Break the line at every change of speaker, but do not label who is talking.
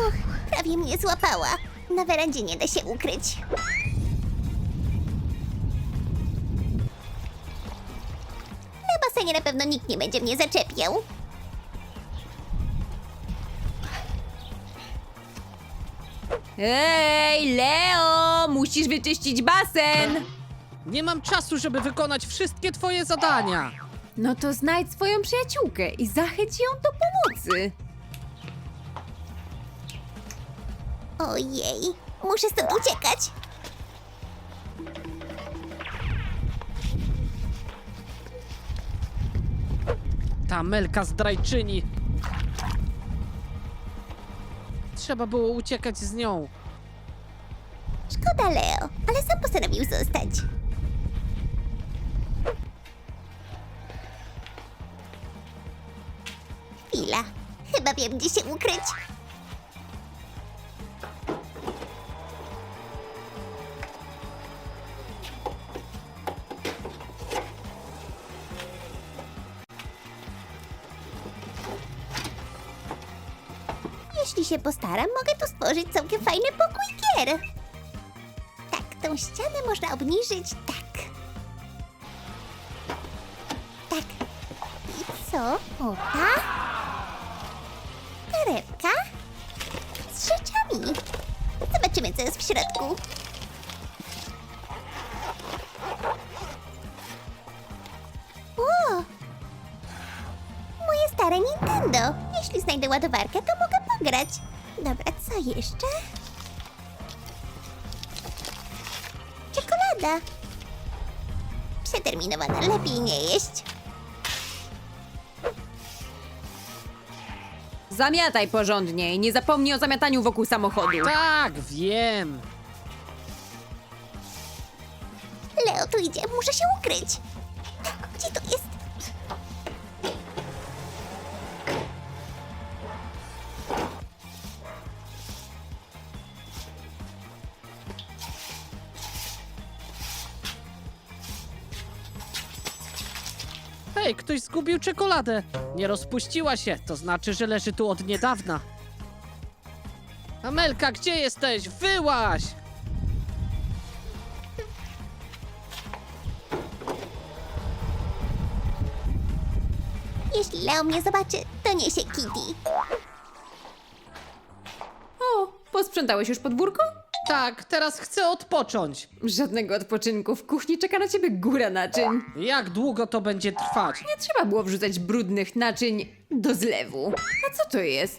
Uch, prawie mnie złapała. Na werandzie nie da się ukryć. Na basenie na pewno nikt nie będzie mnie zaczepiał.
Ej, Leo! Musisz wyczyścić basen!
Nie mam czasu, żeby wykonać wszystkie twoje zadania.
No to znajdź swoją przyjaciółkę i zachęć ją do pomocy.
Ojej, muszę stąd uciekać.
Ta Melka zdrajczyni. Trzeba było uciekać z nią.
Szkoda Leo, ale sam postanowił zostać. Chwila, chyba wiem, gdzie się ukryć. Jeśli się postaram, mogę tu stworzyć całkiem fajny pokój gier. Tak, tą ścianę można obniżyć tak. Tak. I co? O, ta? Torebka? Z rzeczami. Zobaczymy, co jest w środku. O! Moje stare Nintendo. Jeśli znajdę ładowarkę, to mogę pograć. Dobra, co jeszcze? Czekolada. Przeterminowana, lepiej nie jeść.
Zamiataj porządnie i nie zapomnij o zamiataniu wokół samochodu.
Tak, wiem.
Leo tu idzie, muszę się ukryć. Tak, gdzie to jest?
Hej, ktoś zgubił czekoladę. Nie rozpuściła się, to znaczy, że leży tu od niedawna. Amelka, gdzie jesteś? Wyłaź!
Jeśli Leo mnie zobaczy, to niesie Kitty.
O, posprzątałeś już podwórko?
Tak, teraz chcę odpocząć.
Żadnego odpoczynku. W kuchni czeka na ciebie góra naczyń.
Jak długo to będzie trwać?
Nie trzeba było wrzucać brudnych naczyń do zlewu. A co to jest?